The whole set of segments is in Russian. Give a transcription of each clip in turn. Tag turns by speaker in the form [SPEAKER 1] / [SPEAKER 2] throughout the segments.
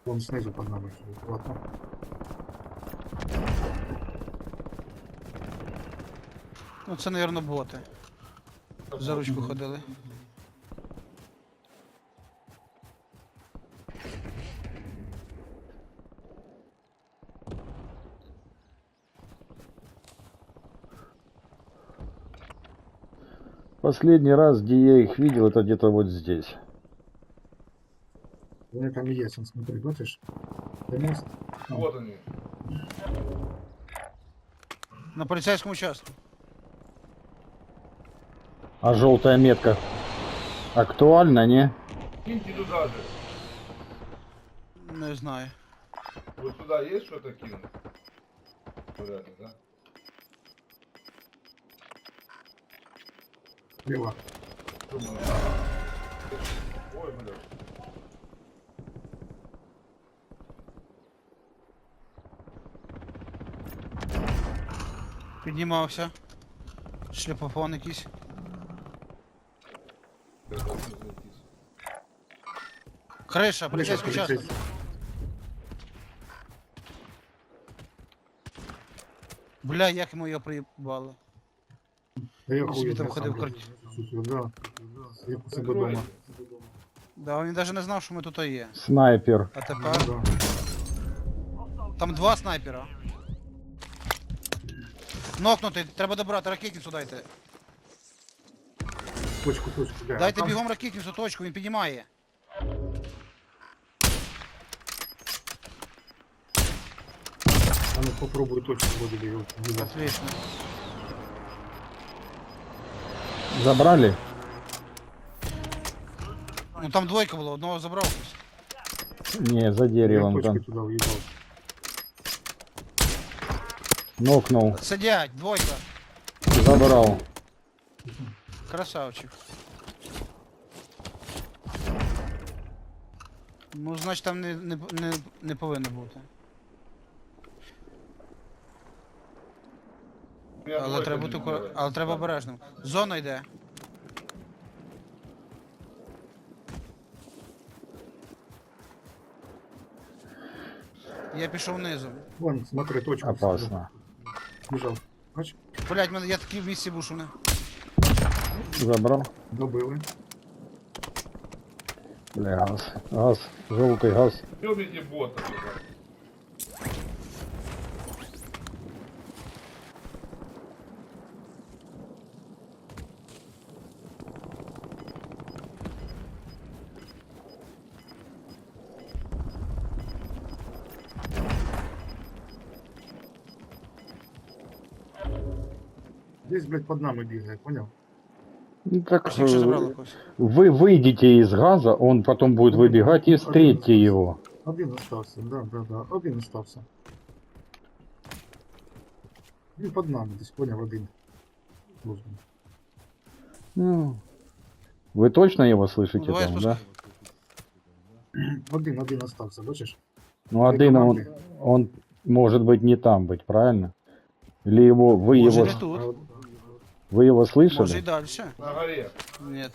[SPEAKER 1] Вон снизу под нами. Ладно.
[SPEAKER 2] Ну це, мабуть, боти. За ручку ходили.
[SPEAKER 3] Последний раз, где я их видел, это где-то вот здесь.
[SPEAKER 1] У меня там и есть, он смотри, бачишь? Мост.
[SPEAKER 4] Вот они.
[SPEAKER 2] На поліцейському участку.
[SPEAKER 3] А желтая метка актуальна, не?
[SPEAKER 4] Киньте туда же.
[SPEAKER 2] Не знаю.
[SPEAKER 4] Вот сюда есть что-то кинуть? Вряд ли, да?
[SPEAKER 1] Слева.
[SPEAKER 4] Думаю. Ой, бля.
[SPEAKER 2] Піднімався. Шліпофон якийсь.
[SPEAKER 4] Я должен зайти.
[SPEAKER 2] Криша, поліцейський участок.
[SPEAKER 1] полицейский.
[SPEAKER 2] Бля, як йому його приїбали.
[SPEAKER 1] Да я
[SPEAKER 2] Він
[SPEAKER 1] хуй
[SPEAKER 2] собі там
[SPEAKER 1] знаю,
[SPEAKER 2] ходив
[SPEAKER 1] сам.
[SPEAKER 2] коротше.
[SPEAKER 1] Слушай, да. Я по себе
[SPEAKER 4] Закройте.
[SPEAKER 1] дома.
[SPEAKER 2] Да, він навіть не знав, що ми тут є.
[SPEAKER 3] Снайпер.
[SPEAKER 2] А
[SPEAKER 1] Ну,
[SPEAKER 2] тепер
[SPEAKER 1] да.
[SPEAKER 2] там два снайпера. Нокнутий, треба добрати, ракетницю дайте.
[SPEAKER 1] Точку, да.
[SPEAKER 2] Дайте
[SPEAKER 1] Там-
[SPEAKER 2] бігом ракетницю, точку, він піднімає.
[SPEAKER 1] А ну попробуй точку вводили его.
[SPEAKER 2] Отлично.
[SPEAKER 3] Забрали?
[SPEAKER 2] Ну там двойка була, одного забрав хтось.
[SPEAKER 3] Не, за деревом
[SPEAKER 1] Точки
[SPEAKER 3] там.
[SPEAKER 1] туда уебал.
[SPEAKER 3] Нокнул.
[SPEAKER 2] Сидять, двойка.
[SPEAKER 3] Забрал.
[SPEAKER 2] Красавчик. Ну, значить там не повинно бути.
[SPEAKER 4] У меня
[SPEAKER 2] Але
[SPEAKER 4] двойка
[SPEAKER 2] треба
[SPEAKER 4] не
[SPEAKER 2] бути
[SPEAKER 4] набирает.
[SPEAKER 2] але треба обережним. Зона йде. Я пішов низом.
[SPEAKER 1] Вон, смотри, точку.
[SPEAKER 3] Опасно.
[SPEAKER 1] Бежал. Бачиш?
[SPEAKER 2] Блять, я такий в місці був, що не.
[SPEAKER 3] Забрал.
[SPEAKER 1] Добили.
[SPEAKER 3] Бля, газ. Газ. Желтый газ.
[SPEAKER 4] Ёбните бота туда.
[SPEAKER 1] Здесь, блядь, под нами бегает, понял?
[SPEAKER 3] Ну, так
[SPEAKER 2] Всіх ще забрали когось.
[SPEAKER 3] вы выйдете из газа, он потом будет выбегать и встретьте его.
[SPEAKER 1] Один остался, да. Один остался. Він под нами, десь понял, один. Должен.
[SPEAKER 3] Ну, вы точно его
[SPEAKER 2] Ну,
[SPEAKER 3] слышите
[SPEAKER 2] давай
[SPEAKER 3] там,
[SPEAKER 2] спускай.
[SPEAKER 3] да?
[SPEAKER 1] Один остався, бачиш?
[SPEAKER 3] Ну, один он может быть не там быть, правильно? Или его, вы
[SPEAKER 2] Може
[SPEAKER 3] его,
[SPEAKER 2] не тут,
[SPEAKER 3] вы его
[SPEAKER 2] може і
[SPEAKER 3] слышали?
[SPEAKER 2] далі.
[SPEAKER 4] На горе.
[SPEAKER 2] Ні.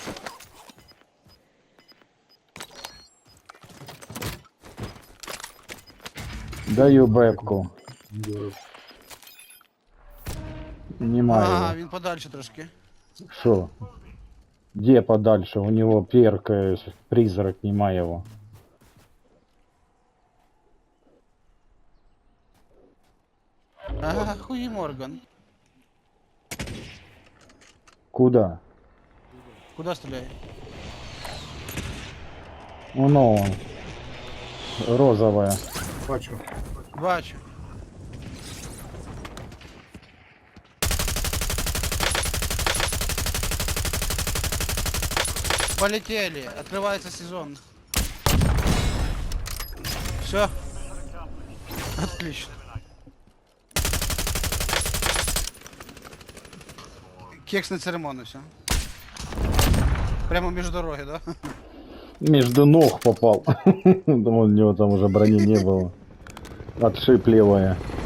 [SPEAKER 3] Даю бэбку.
[SPEAKER 2] Ага,
[SPEAKER 3] Немає.
[SPEAKER 2] він подальше трошки.
[SPEAKER 3] Что? Где подальше? У него перк, призрак, нема его.
[SPEAKER 2] Ага, хуї Морган.
[SPEAKER 3] Куда?
[SPEAKER 2] Куди стріляє?
[SPEAKER 3] Ну, он. Розовая.
[SPEAKER 1] Бачу.
[SPEAKER 2] Бачу. Полетели. Открывается сезон. Все. Отлично. Кекс на церемонию, все. Прямо между дороги, да?
[SPEAKER 3] Между ног попал. Думал, у него там уже брони не было. Отшиб левая.